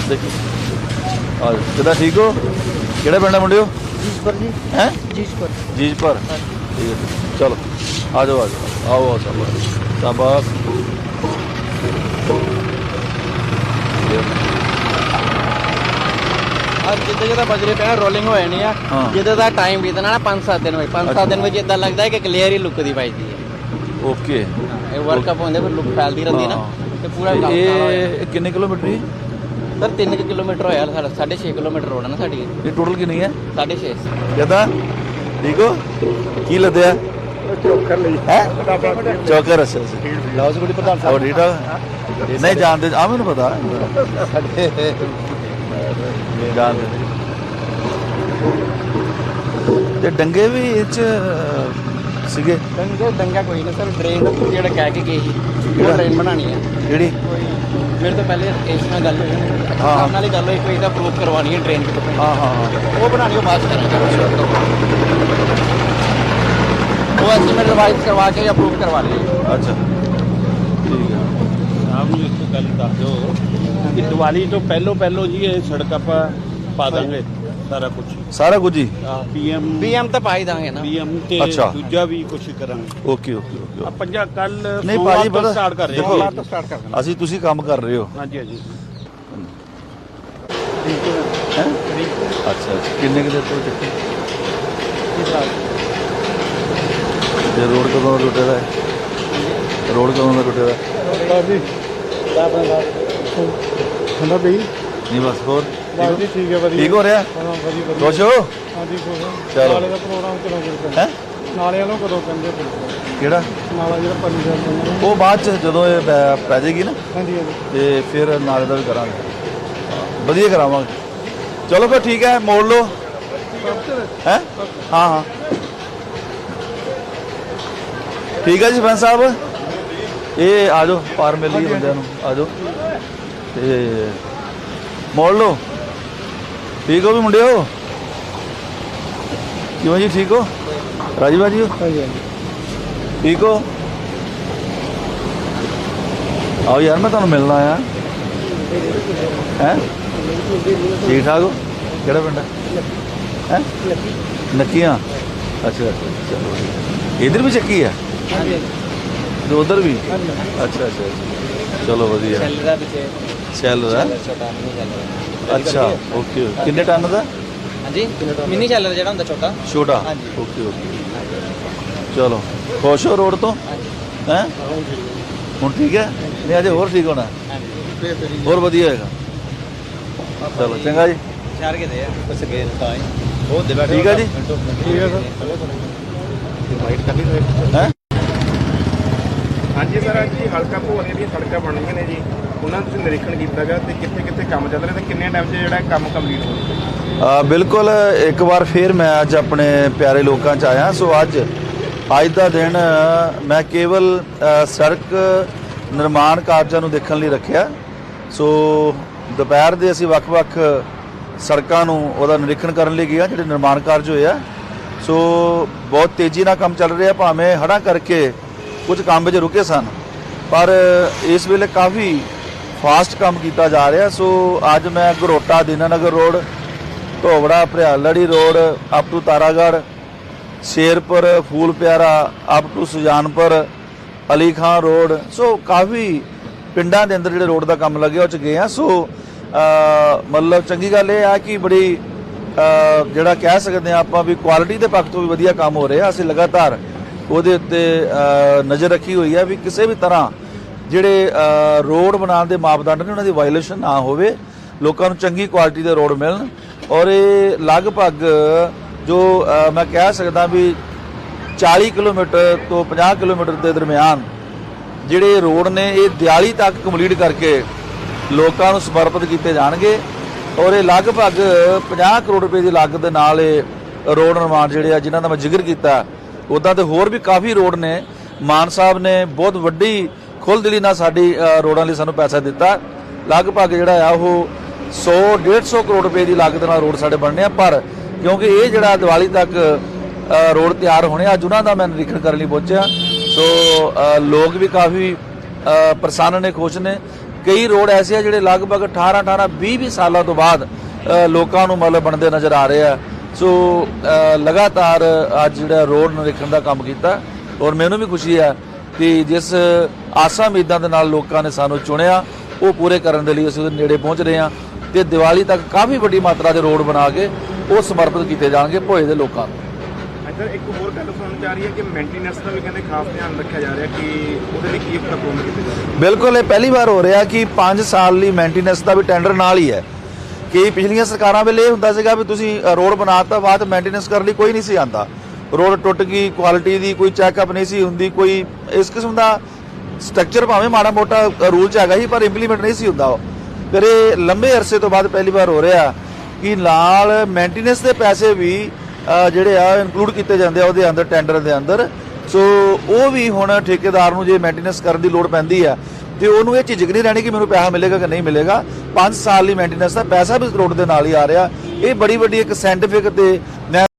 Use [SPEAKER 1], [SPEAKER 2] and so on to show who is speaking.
[SPEAKER 1] देखो आ जाओ किदा ठीक हो किहड़ा पिंड है मुंडियो
[SPEAKER 2] जीजपुर जी
[SPEAKER 1] हैं
[SPEAKER 2] जीजपुर
[SPEAKER 1] जीजपुर ठीक है चलो आ जाओ आओ आओ चलो शाबाश
[SPEAKER 2] जिद्दां जिद्दां बजरे पे रोलिंग हो जानी है
[SPEAKER 1] हाँ।
[SPEAKER 2] जिद्दां दा टाइम बीतना ना 5-7 दिन में 5-7 दिन में इदां लगता है कि क्लियर ही लुक दी पाईदी है
[SPEAKER 1] ओके
[SPEAKER 2] ये वर्ल्ड कप होंदे फिर लुक फैलदी रहंदी ना ते पूरा
[SPEAKER 1] ਤੇ
[SPEAKER 2] काम
[SPEAKER 1] ਇਹ ਕਿੰਨੇ ਕਿਲੋਮੀਟਰ ਹੀ
[SPEAKER 2] सर 3 किलोमीटर होया साढ़ा 6.5 किलोमीटर रोड है ना साडी
[SPEAKER 1] ਇਹ ਟੋਟਲ ਕਿੰਨੀ ਹੈ
[SPEAKER 2] 6.5
[SPEAKER 1] ਕਿਦਾਂ ਠੀਕ ਹੋ ਕੀ ਲੱਦਿਆ
[SPEAKER 3] ਚੋਕਰ ਲਈ
[SPEAKER 1] ਹੈ ਚੌਕਰ ਅੱਛਾ ਲਾਉਸ ਗੁੜੀ ਪ੍ਰਧਾਨ ਸਾਹਿਬ ਠੀਕ ਠਾਕ ਨਹੀਂ ਜਾਣਦੇ ਆ ਮੈਨੂੰ ਪਤਾ ਜਾਣਦੇ ਤੇ ਡੰਗੇ ਵੀ ਇਹ ਚ ਸੀਗੇ
[SPEAKER 2] दंगा कोई नहीं सर ट्रेन जेड़ा कह के गई वो ट्रेन बनानी है
[SPEAKER 1] ਜਿਹੜੀ
[SPEAKER 2] मेरे तो पहले इस ਨਾਲ ਗੱਲ ਹੋਈ
[SPEAKER 1] हाँ।
[SPEAKER 2] ਨਾਲ ਹੀ ਗੱਲ ਹੋਈ ਕੋਈ ਤਾਂ ਪ੍ਰੂਫ ਕਰਵਾਣੀ ਹੈ ਟ੍ਰੇਨ ਦੀ
[SPEAKER 1] ਹਾਂ ਹਾਂ
[SPEAKER 2] ਉਹ ਬਣਾਣੀ ਉਹ ਬਾਅਦ ਚ ਕਰਾਂਗੇ ਉਹ ਐਸਟੀਮੇਟ ਰਿਵਾਈਜ਼ ਕਰਵਾ ਕੇ ਅਪਰੂਵ ਕਰਵਾ ਲਈਏ
[SPEAKER 1] ਅੱਛਾ ਠੀਕ ਹੈ
[SPEAKER 3] ਆਪ ਨੂੰ ਇੱਕ ਗੱਲ ਦੱਸ ਦਿਓ ਕਿ ਦੀਵਾਲੀ ਤੋਂ ਪਹਿਲੋਂ ਜੀ ਇਹ ਸੜਕ ਆਪਾਂ ਪਾ ਦਾਂਗੇ ਸਾਰਾ ਕੁਝ
[SPEAKER 1] ਸਾਰਾ ਕੁਝ ਹੀ
[SPEAKER 2] ਪੀਐਮ ਤਾਂ ਪਾਈ ਦਾਂਗੇ ਨਾ
[SPEAKER 3] ਪੀਐਮ ਤੇ
[SPEAKER 1] ਅੱਛਾ।
[SPEAKER 3] ਦੂਜਾ ਵੀ ਕੁਝ ਕਰਾਂਗੇ
[SPEAKER 1] ਓਕੇ ਓਕੇ ਓਕੇ
[SPEAKER 3] ਪੰਜਾ ਕੱਲ
[SPEAKER 1] ਨਹੀਂ ਭਾਜੀ ਪਤਾ
[SPEAKER 3] ਸਟਾਰਟ ਕਰ ਰਹੇ
[SPEAKER 1] ਦੇਖੋ,
[SPEAKER 3] ਹਾਂ ਸਟਾਰਟ ਕਰ ਦੇਣਾ
[SPEAKER 1] ਅਸੀਂ ਤੁਸੀਂ ਕੰਮ ਕਰ ਰਹੇ ਹੋ
[SPEAKER 3] ਹਾਂਜੀ ਹਾਂਜੀ
[SPEAKER 1] ਹੈਂ? ਅੱਛਾ ਅੱਛਾ ਕਿੰਨੇ ਕੁ ਦੇਰ ਤੋਂ ਚੱਕੀ ਤੇ ਰੋਡ ਕਦੋਂ ਦਾ ਟੁੱਟੇ ਦਾ ਹੈ ਰੋਡ ਕਦੋਂ ਦਾ ਟੁੱਟੇ ਦਾ
[SPEAKER 3] ਜੀ ਠੰਡਾ ਪਈ
[SPEAKER 1] ਨਹੀਂ ਬਸ ਹੋਰ
[SPEAKER 3] ਬਸ ਜੀ ਠੀਕ ਹੈ ਵਧੀਆ
[SPEAKER 1] ਠੀਕ ਹੋ ਰਿਹਾ
[SPEAKER 3] ਹਾਂ ਵਧੀਆ
[SPEAKER 1] ਖੁਸ਼ ਹੋ
[SPEAKER 3] ਹਾਂਜੀ
[SPEAKER 1] ਚਲੋ।
[SPEAKER 3] ਨਾਲੇ ਦਾ ਪ੍ਰੋਗਰਾਮ ਕਦੋਂ ਕਰਦੇ
[SPEAKER 1] ਹੈ
[SPEAKER 3] ਨਾਲੇ ਵਾਲੋਂ ਕਦੋਂ ਕਹਿੰਦੇ
[SPEAKER 1] ਕਿਹੜਾ
[SPEAKER 3] ਨਾਲਾ ਜਿਹੜਾ ਪੰਜ
[SPEAKER 1] ਉਹ ਬਾਅਦ ਚ ਜਦੋਂ ਇਹ ਪੈ ਜਾਏਗੀ ਨਾ
[SPEAKER 3] ਹਾਂਜੀ ਹਾਂਜੀ
[SPEAKER 1] ਤੇ ਫਿਰ ਨਾਲੇ ਦਾ ਵੀ ਕਰਾਂਗੇ ਵਧੀਆ ਕਰਾਵਾਂਗੇ ਚਲੋ ਫਿਰ ਠੀਕ ਹੈ ਮੋੜ ਲਓ ਹੈ ਹਾਂ ਹਾਂ ਠੀਕ ਹੈ ਜੀ ਸਰਪੰਚ ਸਾਹਿਬ ਇਹ ਆ ਜਾਓ ਪਾਰ ਮਿਲ ਲਈ ਬੰਦਿਆਂ ਨੂੰ ਆ ਜਾਓ ਤੇ ਮੋੜ ਲਓ ਠੀਕ ਹੋ ਵੀ ਮੁੰਡਿਓ ਕਿਵੇਂ ਜੀ ਠੀਕ ਹੋ ਰਾਜੀ ਬਾਜੀ ਹੋ
[SPEAKER 3] ਹਾਂਜੀ ਹਾਂਜੀ
[SPEAKER 1] ਠੀਕ ਹੋ ਆਓ ਯਾਰ ਮੈਂ ਤੁਹਾਨੂੰ ਮਿਲਣਾ ਆਇਆ ਹੈ ਠੀਕ ਠਾਕ ਹੋ ਕਿਹੜਾ ਪਿੰਡ ਹੈ ਨੱਕੀਆਂ ਅੱਛਾ ਚਲੋ ਇਧਰ ਵੀ ਚੱਕੀ ਹੈ ਤੇ ਉਧਰ ਵੀ ਅੱਛਾ ਅੱਛਾ ਚਲੋ ਵਧੀਆ
[SPEAKER 2] ਸੈਲ ਦਾ ਪਿੱਛੇ
[SPEAKER 1] ਸੈਲ ਦਾ
[SPEAKER 2] ਛੋਟਾ ਮਿਨੀ ਚੱਲ
[SPEAKER 1] ਅੱਛਾ ਓਕੇ ਕਿੰਨੇ ਟਨ ਦਾ
[SPEAKER 2] ਹਾਂਜੀ ਮਿਨੀ ਚੱਲ ਜਿਹੜਾ ਹੁੰਦਾ ਛੋਟਾ
[SPEAKER 1] ਛੋਟਾ
[SPEAKER 2] ਹਾਂਜੀ।
[SPEAKER 1] ਓਕੇ ਓਕੇ ਚਲੋ ਖੁਸ਼ ਹੋ ਰੋਡ ਤੋਂ ਹੈ ਹੁਣ ਠੀਕ ਹੈ ਨਹੀਂ ਅਜੇ ਹੋਰ ਠੀਕ ਹੋਣਾ ਹੋਰ ਵਧੀਆ ਹੋਏਗਾ ਚਲੋ ਚੰਗਾ ਜੀ
[SPEAKER 2] ਚਾਰ ਕੇ ਦੇ ਆ ਕੁਛ ਗਏ ਤਾਂ
[SPEAKER 1] ਬਹੁਤ ਦੇਵਾ ਠੀਕ ਹੈ ਜੀ
[SPEAKER 3] ਠੀਕ ਹੈ ਸਰ
[SPEAKER 1] ਹੈ
[SPEAKER 4] ਹਾਂਜੀ ਸਰ ਜੀ ਹਲਕਾ ਭੋਲੇ ਦੀਆਂ ਸੜਕਾਂ ਬਣਨੀਆਂ ਨੇ ਜੀ ਉਹਨਾਂ ਦਾ ਤੁਸੀਂ ਨਿਰੀਖਣ ਕੀਤਾ ਗਿਆ ਤੇ ਕਿੱਥੇ ਕਿੱਥੇ ਕੰਮ ਚੱਲ ਰਿਹਾ ਤੇ ਕਿੰਨੇ ਟਾਈਮ 'ਚ ਜਿਹੜਾ ਕੰਮ ਕੰਪਲੀਟ ਹੋ ਗਿਆ
[SPEAKER 1] ਬਿਲਕੁਲ ਇੱਕ ਵਾਰ ਫਿਰ ਮੈਂ ਅੱਜ ਆਪਣੇ ਪਿਆਰੇ ਲੋਕਾਂ 'ਚ ਆਇਆ ਸੋ ਅੱਜ ਦਾ ਦਿਨ ਮੈਂ ਕੇਵਲ ਸੜਕ ਨਿਰਮਾਣ ਕਾਰਜਾਂ ਨੂੰ ਦੇਖਣ ਲਈ ਰੱਖਿਆ ਸੋ ਦੁਪਹਿਰ ਦੇ ਅਸੀਂ ਵੱਖ-ਵੱਖ ਸੜਕਾਂ ਨੂੰ ਉਹਦਾ ਨਿਰੀਖਣ ਕਰਨ ਲਈ ਗਿਆ ਜਿਹੜੇ ਨਿਰਮਾਣ ਕਾਰਜ ਹੋਏ ਆ ਸੋ ਬਹੁਤ ਤੇਜ਼ੀ ਨਾਲ ਕੰਮ ਚੱਲ ਰਿਹਾ ਭਾਵੇਂ ਹੜ੍ਹਾਂ ਕਰਕੇ ਕੁਝ ਕੰਮ ਵਿੱਚ ਰੁਕੇ ਸਨ ਪਰ ਇਸ ਵੇਲੇ ਕਾਫੀ ਫਾਸਟ ਕੰਮ ਕੀਤਾ ਜਾ ਰਿਹਾ ਸੋ ਅੱਜ ਮੈਂ Gharota Dinanagar road Dhobra Bharialari road up to Taragarh Sherpur Phool Piara up to Sujanpur Ali Khan road so ਕਾਫੀ ਪਿੰਡਾਂ ਦੇ ਅੰਦਰ ਜਿਹੜੇ ਰੋਡ ਦਾ ਕੰਮ ਲੱਗਿਆ ਉਹ 'ਚ ਗਏ ਆ ਸੋ ਮਤਲਬ ਚੰਗੀ ਗੱਲ ਇਹ ਆ ਕਿ ਬੜੀ ਜਿਹੜਾ ਕਹਿ ਸਕਦੇ ਆ ਆਪਾਂ ਵੀ ਕੁਆਲਿਟੀ ਦੇ ਪੱਖ ਤੋਂ ਵੀ ਵਧੀਆ ਕੰਮ ਹੋ ਰਿਹਾ ਅਸੀਂ ਲਗਾਤਾਰ ਉਹਦੇ ਉੱਤੇ ਨਜ਼ਰ ਰੱਖੀ ਹੋਈ ਹੈ ਵੀ ਕਿਸੇ ਵੀ ਤਰ੍ਹਾਂ ਜਿਹੜੇ ਰੋਡ ਬਣਾਉਣ ਦੇ ਮਾਪਦੰਡ ਨੇ ਉਹਨਾਂ ਦੀ ਵਾਇਓਲੇਸ਼ਨ ਨਾ ਹੋਵੇ ਲੋਕਾਂ ਨੂੰ ਚੰਗੀ ਕੁਆਲਿਟੀ ਦੇ ਰੋਡ ਮਿਲਣ ਔਰ ਇਹ ਲਗਭਗ ਜੋ ਮੈਂ ਕਹਿ ਸਕਦਾ ਵੀ 40 ਕਿਲੋਮੀਟਰ ਤੋਂ 50 ਕਿਲੋਮੀਟਰ ਦੇ ਦਰਮਿਆਨ ਜਿਹੜੇ ਰੋਡ ਨੇ ਇਹ ਦਿਵਾਲੀ ਤੱਕ ਕੰਪਲੀਟ ਕਰਕੇ ਲੋਕਾਂ ਨੂੰ ਸਮਰਪਿਤ ਕੀਤੇ ਜਾਣਗੇ ਔਰ ਇਹ ਲਗਭਗ 50 ਕਰੋੜ ਰੁਪਏ ਦੀ ਲਾਗਤ ਦੇ ਨਾਲ ਇਹ ਰੋਡ ਨਿਰਮਾਣ ਜਿਹੜੇ ਆ ਜਿਨ੍ਹਾਂ ਦਾ ਮੈਂ ਜ਼ਿਕਰ ਕੀਤਾ ਉੱਦਾਂ ਤੇ ਹੋਰ ਵੀ ਕਾਫੀ ਰੋਡ ਨੇ ਮਾਨ ਸਾਹਿਬ ਨੇ ਬਹੁਤ ਵੱਡੀ ਖੁੱਲ੍ਹਦਿਲੀ ਨਾਲ ਸਾਡੀ ਰੋਡਾਂ ਲਈ ਸਾਨੂੰ ਪੈਸਾ ਦਿੱਤਾ ਲਗਭਗ ਜਿਹੜਾ ਆ ਉਹ 100-150 ਕਰੋੜ ਰੁਪਏ ਦੀ ਲਾਗਤ ਨਾਲ ਰੋਡ ਸਾਡੇ ਬਣਨੇ ਆ ਪਰ ਕਿਉਂਕਿ ਇਹ ਜਿਹੜਾ ਦੀਵਾਲੀ ਤੱਕ ਰੋਡ ਤਿਆਰ ਹੋਣੇ ਅੱਜ ਉਹਨਾਂ ਦਾ ਮੈਂ ਨਿਰੀਖਣ ਕਰਨ ਲਈ ਪਹੁੰਚਿਆ ਸੋ ਲੋਕ ਵੀ ਕਾਫੀ ਪ੍ਰਸੰਨ ਨੇ ਖੁਸ਼ ਨੇ ਕਈ ਰੋਡ ਐਸੇ ਆ ਜਿਹੜੇ ਲਗਭਗ 18 20 ਸਾਲਾਂ ਤੋਂ ਬਾਅਦ ਲੋਕਾਂ ਨੂੰ ਮਤਲਬ ਬਣਦੇ ਨਜ਼ਰ ਆ ਰਹੇ ਆ। ਸੋ ਲਗਾਤਾਰ ਅੱਜ ਜਿਹੜਾ ਰੋਡ ਨਿਰੀਖਣ ਦਾ ਕੰਮ ਕੀਤਾ ਔਰ ਮੈਨੂੰ ਵੀ ਖੁਸ਼ੀ ਹੈ ਕਿ ਜਿਸ ਆਸਾਂ ਉਮੀਦਾਂ ਦੇ ਨਾਲ ਲੋਕਾਂ ਨੇ ਸਾਨੂੰ ਚੁਣਿਆ ਉਹ ਪੂਰੇ ਕਰਨ ਦੇ ਲਈ ਅਸੀਂ ਉਹਦੇ ਨੇੜੇ ਪਹੁੰਚ ਰਹੇ ਹਾਂ ਤੇ ਦੀਵਾਲੀ ਤੱਕ ਕਾਫੀ ਵੱਡੀ ਮਾਤਰਾ ਦੇ ਰੋਡ ਬਣਾ ਕੇ ਉਹ ਸਮਰਪਿਤ ਕੀਤੇ ਜਾਣਗੇ ਭੋਏ ਦੇ ਲੋਕਾਂ ਨੂੰ।
[SPEAKER 4] ਅੱਛਾ, ਇੱਕ ਹੋਰ ਗੱਲ ਸੁਣਨ ਚ ਆ ਰਹੀ ਹੈ ਕਿ ਮੇਨਟੇਨੈਂਸ ਦਾ ਵੀ ਕਹਿੰਦੇ ਖਾਸ ਧਿਆਨ ਰੱਖਿਆ ਜਾ ਰਿਹਾ ਕਿ ਉਹਦੇ ਲਈ ਕੀ ਪ੍ਰਬੰਧ ਕੀਤੇ ਜਾ ਰਹੇ।
[SPEAKER 1] ਬਿਲਕੁਲ, ਇਹ ਪਹਿਲੀ ਵਾਰ ਹੋ ਰਿਹਾ ਕਿ 5 ਸਾਲ ਲਈ ਮੇਨਟੇਨੈਂਸ ਦਾ ਵੀ ਟੈਂਡਰ ਨਾਲ ਹੀ ਹੈ। ਕਿ ਪਿਛਲੀਆਂ ਸਰਕਾਰਾਂ ਵੇਲੇ ਇਹ ਹੁੰਦਾ ਸੀਗਾ ਵੀ ਤੁਸੀਂ ਰੋਡ ਬਣਾਤਾ ਬਾਅਦ ਮੇਨਟੇਨੈਂਸ ਕਰਨ ਲਈ ਕੋਈ ਨਹੀਂ ਸੀ ਆਂਦਾ, ਰੋਡ ਟੁੱਟ ਗਈ, ਕੁਆਲਿਟੀ ਦੀ ਕੋਈ ਚੈੱਕਅਪ ਨਹੀਂ ਸੀ ਹੁੰਦੀ, ਕੋਈ ਇਸ ਕਿਸਮ ਦਾ ਸਟਰਕਚਰ ਭਾਵੇਂ ਮਾੜਾ ਮੋਟਾ ਰੂਲ ਚ ਹੈਗਾ ਸੀ ਪਰ ਇੰਪਲੀਮੈਂਟ ਨਹੀਂ ਸੀ ਹੁੰਦਾ। ਫਿਰ ਇਹ ਲੰਬੇ ਅਰਸੇ ਤੋਂ ਬਾਅਦ ਪਹਿਲੀ ਵਾਰ ਹੋ ਰਿਹਾ ਕਿ ਨਾਲ ਮੇਨਟੇਨੈਂਸ ਦੇ ਪੈਸੇ ਵੀ ਜਿਹੜੇ ਆ ਇਨਕਲੂਡ ਕੀਤੇ ਜਾਂਦੇ ਆ ਉਹਦੇ ਅੰਦਰ ਟੈਂਡਰ ਦੇ ਅੰਦਰ। ਸੋ ਉਹ ਵੀ ਹੁਣ ਠੇਕੇਦਾਰ ਨੂੰ ਜੇ ਮੇਨਟੇਨੈਂਸ ਕਰਨ ਦੀ ਲੋੜ ਪੈਂਦੀ ਆ ਤੇ ਉਹਨੂੰ ਇਹ ਝਿਜਕ ਨਹੀਂ ਰਹਿਣੀ ਕਿ ਮੈਨੂੰ ਪੈਸਾ ਮਿਲੇਗਾ ਕਿ ਨਹੀਂ ਮਿਲੇਗਾ। 5 ਸਾਲ ਲਈ ਮੇਨਟੇਨੈਂਸ ਦਾ ਪੈਸਾ ਵੀ ਰੋਡ ਦੇ ਨਾਲ ਹੀ ਆ ਰਿਹਾ। ਇਹ ਬੜੀ ਵੱਡੀ ਇੱਕ ਸਾਇੰਟੀਫਿਕ ਤੇ